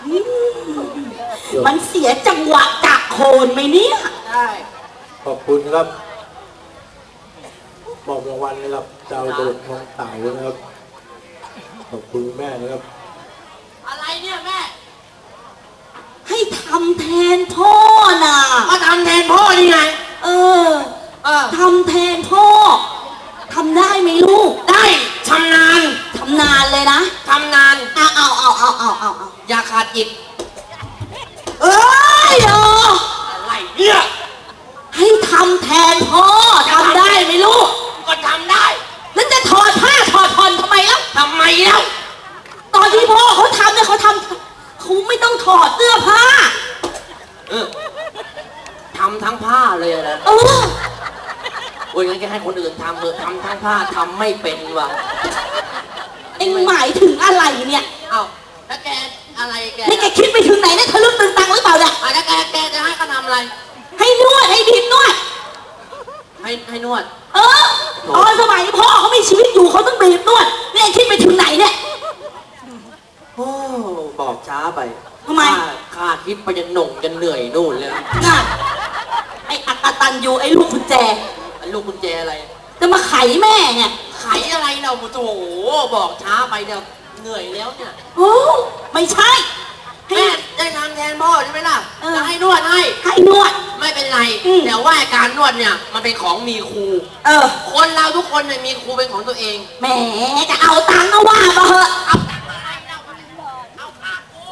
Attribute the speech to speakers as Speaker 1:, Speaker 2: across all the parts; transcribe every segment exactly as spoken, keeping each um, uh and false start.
Speaker 1: มันเสียจังหวะจากโคนไหมเนี่ย
Speaker 2: ใช่
Speaker 3: ขอบคุณครับบอกรางวัลนะครับดาวโดดทองเต่านะครับขอบคุณแม่นะครับ
Speaker 2: อะไรเนี่ยแม่
Speaker 1: ให้ทำแทนพ่อน่ะ
Speaker 2: ก็ทำแทนพ่อนี่ไง
Speaker 1: เออเออทำแทนพ่อทำได้ไหมลูก
Speaker 2: ได้ชำนาญ
Speaker 1: ทำนานเลยนะ
Speaker 2: ทำนาน
Speaker 1: เอาเอาเอาเอาเอาเอาเอา
Speaker 2: อย่าขาดจิต
Speaker 1: เอ้ยเออ
Speaker 2: อะไรเนี่ย
Speaker 1: ให้ทำแทนพ่อทำได้ไหมลูก
Speaker 2: ก็ทำได้
Speaker 1: แล้วจะถอดผ้าถอดผ่อนทำไมแล้ว
Speaker 2: ทำไมแล้ว
Speaker 1: ตอนที่พ่อเขาทำเนี่ยเขาทำเขาไม่ต้องถอดเสื้อผ้า
Speaker 2: เออทำทั้งผ้าเลยนะ
Speaker 1: เออ
Speaker 2: โอ้ยงั้นแกให้คนอื่นทำเถอะทำทั้งผ้าทำไม่เป็นว่ะ
Speaker 1: เอ็งหมายถึงอะไรเนี่ย
Speaker 2: เอ้าแล้วแกอะไรแก
Speaker 1: นี่แกคิดไปถึงไหนเนี่ยทะลึ่งตึงตังหรือเปล่าเนี่ย
Speaker 2: อ่ะแล้วแกแกจะให้เขาทำอะไร
Speaker 1: ให้นวดให้ดินนวด
Speaker 2: ให้ให้นวด
Speaker 1: เออตอนสมัยพ่อเขามีชีวิตอยู่เขาต้องบีบนวดนี่คิดไปถึงไหนเนี่ย
Speaker 2: โอ้บอกช้าไป
Speaker 1: ทำไม
Speaker 2: ข้าคิดไปจะหน่งจะเหนื่อยนู่นเลย
Speaker 1: น่ะไอ้อักตันยูไอ้ลูกกุญแจ
Speaker 2: ไอ้ลูกกุญแจอะไร
Speaker 1: จะมาไขแม่ไง
Speaker 2: ไขอะไรเราโอ้โหบอกช้าไปเดี๋ยวเหนื่อยแล้วเนี่ย
Speaker 1: โอ้ไม่ใช่
Speaker 2: แม่ได้ทำแทนพ่อใช่ไหมล่ะจะให้นวดให้
Speaker 1: ให้นวด
Speaker 2: ไม่เป็นไรแต่ว่าการนวดเนี่ยมันเป็นของมีครู
Speaker 1: เออ
Speaker 2: คนเราทุกคนเนี่ยมีครูเป็นของตัวเอง
Speaker 1: แหมจะเอาตังค์ก็ว่ามาเหอะเอา
Speaker 2: เอาค่าครู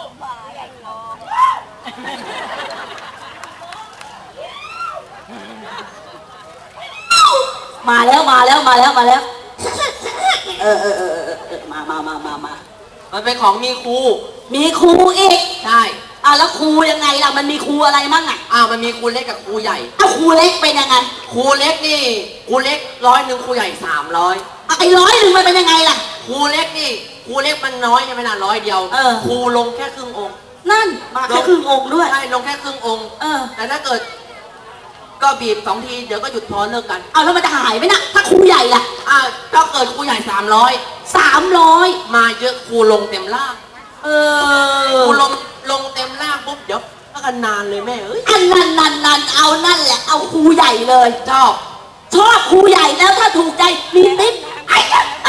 Speaker 1: มาแล้วมาแล้วมาแล้วมาแล้วเออเออเออเออมามามามามา
Speaker 2: มันเป็นของมีครู
Speaker 1: มีครูอีก
Speaker 2: ใช่
Speaker 1: อ้าวแล้วครูยังไงล่ะมันมีครูอะไรมั่งอ่ะ
Speaker 2: อ้าวมันมีครูเล็กกับครูใหญ่
Speaker 1: อ้าวครูเล็กเป็นยังไง
Speaker 2: ครูเล็กนี่ครูเล็กร้อยหนึ่งครูใหญ่สามร้อย
Speaker 1: ไอ้ร้อยหนึ่งมันเป็นยังไงล่ะ
Speaker 2: ครูเล็กนี่ครูเล็กมันน้อยใช่ไหมนะร้อยเดียวครูลงแค่ครึ่งองค์
Speaker 1: นั่นมาแค่ครึ่งองค์ด้วย
Speaker 2: ใช่ลงแค่ครึ่งองค์
Speaker 1: เออ
Speaker 2: แต่ถ้าเกิดก็บีบสองทีเดี๋ยวก็หยุดพอเลิกกัน
Speaker 1: เอาแล้วมันจะหายไหมนะถ้าครูใหญ่ล่ะ
Speaker 2: อ้าวถ้าเกิดครูใหญ่สามร้อย
Speaker 1: สามร้อย
Speaker 2: มาเยอะครูลงเต็มล่าง
Speaker 1: เออ
Speaker 2: ครูลงลงเต็มล่างปุ๊บเดี๋ยวก็กันนานเลยแม่เอ้ย
Speaker 1: อันนั้นนั่นนั่นเอานั่นแหละเอาครูใหญ่เลย
Speaker 2: ชอบ
Speaker 1: ชอบครูใหญ่แล้วถ้าถูกใจมีติ๊บไอ้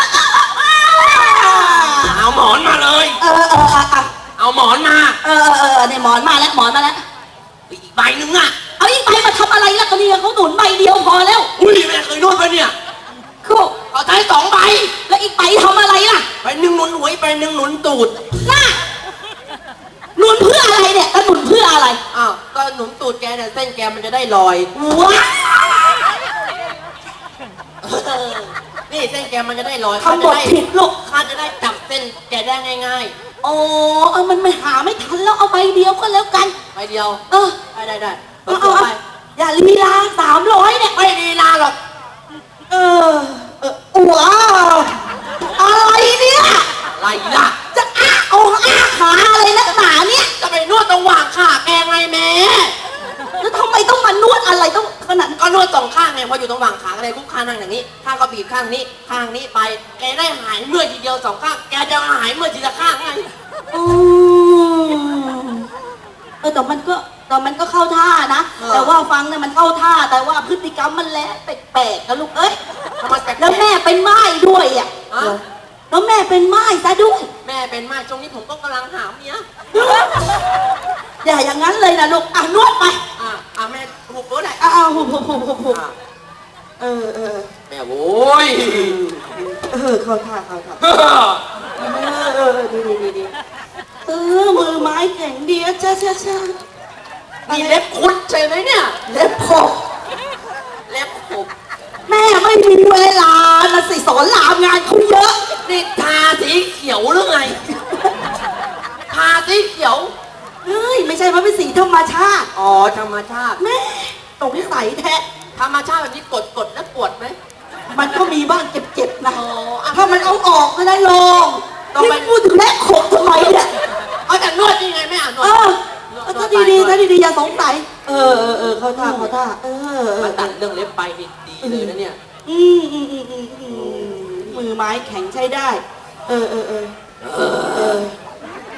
Speaker 2: เอาหมอนมาเลย
Speaker 1: เออเออเออ
Speaker 2: เอาหมอนมา
Speaker 1: เออเออเนี่ยหมอนมาแล้วหมอนมาแล้ว
Speaker 2: อีกใบหนึ่งอ่ะ
Speaker 1: เอาอีกใบมาทำอะไรล่ะก็นี่เขาหนุนใบเดียวพอแล้ว
Speaker 2: อุ้ยแม่เคยนวดไปเนี่ย
Speaker 1: คือ
Speaker 2: เขาใช้สองใบ
Speaker 1: แล้วอีกใบทำอะไรล่ะ
Speaker 2: ใบหนึ่งหนุนหัวใบหนึ่งหนุนตูด
Speaker 1: น่ะหนุนเพื่ออะไรเนี่ยแล้วหนุนเพื่ออะไร
Speaker 2: อ้าวก็หนุนตูดแกเนี่ยเส้นแกมันจะได้ลอย
Speaker 1: ว้า
Speaker 2: นี่เส้นแกมันจะได้ลอย
Speaker 1: ทำบทผิดลูก
Speaker 2: ข้าจะได้จับเส้นแกได้ง่าย
Speaker 1: ๆโอ้เออมันไม่หาไม่ทันแล้วเอาใบเดียวก็แล้วกัน
Speaker 2: ใบเดียว
Speaker 1: เออ
Speaker 2: ได้ได้ได้
Speaker 1: เอาเอาอย่าลีลาสามร้อยเนี่ย
Speaker 2: ไม่ลีลาหรอก
Speaker 1: เออเออว้าวอะไรเนี่ย
Speaker 2: อะไรล่ะ
Speaker 1: จะอ้าโอ้อ้าขาอะไรนักหนาเนี่ย
Speaker 2: จะไปนวดตรงหว่างขาแกไงแม่
Speaker 1: แล้วทำไมต้องมานวดอะไรต้องขนาด
Speaker 2: ก็นวดสองข้างไงพออยู่ตรงหว่างขาอะไรคุกข้างนั่งอย่างนี้ข้างก็บีบข้างนี้ข้างนี้ไปแกได้หายเมื่อยทีเดียวสองข้างแกจะหายเมื่อยทีละข้างไง
Speaker 1: อืมเออแต่มันก็แต่มันก็เข้าท่านะแต่ว่าฟังเนี่ยมันเข้าท่าแต่ว่าพฤติกรรมมันแหละแปลกๆนะลูกเอ้ยแล้วแม่เป็นไม้ด้วยอ่ะแล้วแม่เป็นไม้ซะด้วย
Speaker 2: แม่เป็นไม้ช่วงนี้ผมก็กำลังหาเมีย
Speaker 1: อย่าอย่างนั้นเลยนะลูกอ่ะนวดไป
Speaker 2: อ่ะอ่ะแม่หุบก็ได้
Speaker 1: อ่ะหุบหุบหุบหุบหุบเออเออ
Speaker 2: แม่โว้ย
Speaker 1: เออเข้าท่าเข้าท่าเออเออดีดีดีเออมือไม้แข็งดีอะจ้าจ้าจ้า
Speaker 2: มีเล็บคุดใช่ไหมเนี่ย
Speaker 1: เล็บขบ
Speaker 2: เล็บขบ
Speaker 1: แม่ไม่มีเวลานะสิสอนรามงานเขาเยอะ
Speaker 2: นี่ทาสีเขียวหรือไงทาสีเขียว
Speaker 1: เฮ้ยไม่ใช่มันเป็นสีธรรมชาติ
Speaker 2: อ๋อธรรมชาติ
Speaker 1: แม่ตรงที่ใสแท้
Speaker 2: ธรรมชาติแบบนี้กดกดแล้วปวดไหม
Speaker 1: มันก็มีบ้างเจ็บๆนะถ้ามันเอาออกก็ได้ลงที่พูดถึงแม่ขบทำไมเนี่ย
Speaker 2: เอาแต่นวดยังไงไม่อ่านนวด
Speaker 1: ถ้าดีดีถ้าดีดีอย่าสงสัยเออเออเออเข้าท่าเข้าท่าเออ
Speaker 2: มาตัดเรื่องเล็บไปดีเลยนะเนี่ย
Speaker 1: อืมอืมอืมอืมมือไม้แข็งใช้ได้เออเออเออเออ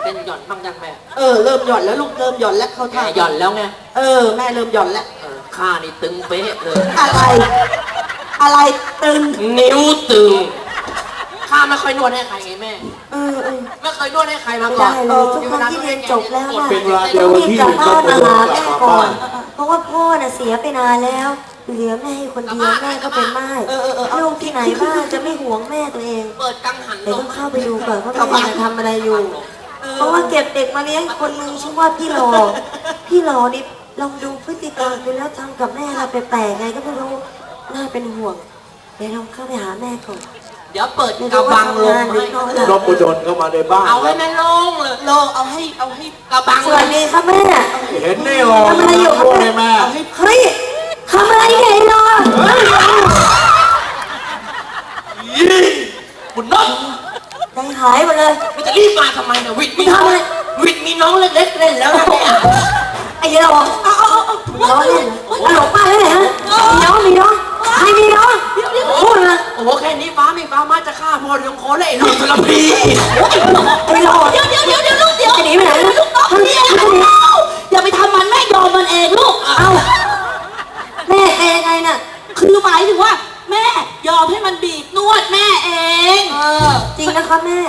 Speaker 2: เป็นหย่อนบ้างยังแม่
Speaker 1: เออเริ่มหย่อนแล้วลูกเริ่มหย่อนแล้วเข้า
Speaker 2: แก
Speaker 1: ท่า
Speaker 2: หย่อนแล้วไง
Speaker 1: เออแม่เริ่มหย่อนแล้ว
Speaker 2: เออข้านี่ตึงเป๊ะเลย
Speaker 1: อะไร อะไรตึง
Speaker 2: นิ้วตึงข้าไม่ค่อยนวดให้ใครไงแม่
Speaker 1: เออเออ
Speaker 2: ไม่เคยนวดให้ใครมา
Speaker 4: ไม่
Speaker 2: ก่อ
Speaker 4: ได้
Speaker 2: น
Speaker 4: เลยทุกครั้งที่เรียนจบแล้วน่ะ
Speaker 3: เป็นเวลาเดียวกับที่
Speaker 4: กลับ
Speaker 3: น้
Speaker 4: บ้า
Speaker 3: อง
Speaker 4: น
Speaker 3: โอ
Speaker 4: มา
Speaker 3: โด
Speaker 4: หาน
Speaker 3: กลับ
Speaker 4: แม่
Speaker 3: มา
Speaker 4: ก่อ
Speaker 3: บ้าน น
Speaker 4: เพราะว่าพ่อน่ะเสียไปนานแล้วเหลือแม่อยู่คนเดียวแม่ก็เป็นม่าย
Speaker 1: เออเออเออเอา
Speaker 4: ลูกที่ไหนบ้างจะไม่ห่วงแม่ตัวเอง
Speaker 2: เปิดกังหัน
Speaker 4: เดี๋ยว
Speaker 2: ล
Speaker 4: ต้
Speaker 2: ม
Speaker 4: องเข้าไปดูก่อนว่าแม่จะทำอะไรอยู่ เพราะว่าเก็บเด็กมาเลี้ยงคนหนึงชื่อว่าพี่หลอพี่หลอนี่ลองดูพฤติกรรมดูแล้วทำกับแม่เราแปลกๆไงก็ไม่รู้น่าเป็นห่วงเดี๋ยวเราเข้าไปหาแม่ก่อน
Speaker 2: เดี๋ยวเปิด
Speaker 4: เดี๋ยว
Speaker 2: กระบังลม
Speaker 4: เดี๋
Speaker 2: ให้
Speaker 4: ยวเขา
Speaker 3: น้องโอโดนเข้ามาในบ้าน
Speaker 2: เอา
Speaker 3: ค
Speaker 2: ให้
Speaker 3: รับ
Speaker 2: แม่โล่งเลย
Speaker 1: โลเอาให้เอาให้
Speaker 2: กระบัง
Speaker 4: สวัสดีครับแม่
Speaker 3: เห็นนี่หรอ
Speaker 4: ทำอะไรอยู่ครับ
Speaker 3: พูดให้แม่
Speaker 1: เอาให้
Speaker 4: เฮ้ยทำอะไรเนี่ยไอ้หลอ
Speaker 2: บุญน้อง
Speaker 4: ใจหายหมดเลย
Speaker 2: มันจะรีบมาทำไมเนี่ยวิทย์มี
Speaker 4: ทำอะไร
Speaker 2: วิทย์มีน้องเล็กๆเล่นแล้วนะเนี่ย
Speaker 4: ไอ้เราเอาเอาเอาล้อเล่นตลกมากเลยฮะมีน้องมีน้องใครมีน้องพูดมา
Speaker 2: โอ้โหแค่นี้ฟ้าไม่ฟ้ามาจะฆ่าพ่อเลี้ยงโคเลยไอ้ลูกทรพี
Speaker 4: ไอ้หลอ
Speaker 1: เดี๋ยวเดี๋ยวเดี๋ยวเดี๋ยวลูกเดี๋ยว
Speaker 4: จะหนีไปไหนนะ
Speaker 1: ลูกน้องเดี๋ยวอย่าไปทำมันแม่ยอมมันเองลูก
Speaker 4: เอ้าแม่เป็นยังไงน่ะ
Speaker 1: คือหมายถึงว่า แม่ยอมให้มันบีบนวดแม่เอง
Speaker 4: จริงนะครับแม่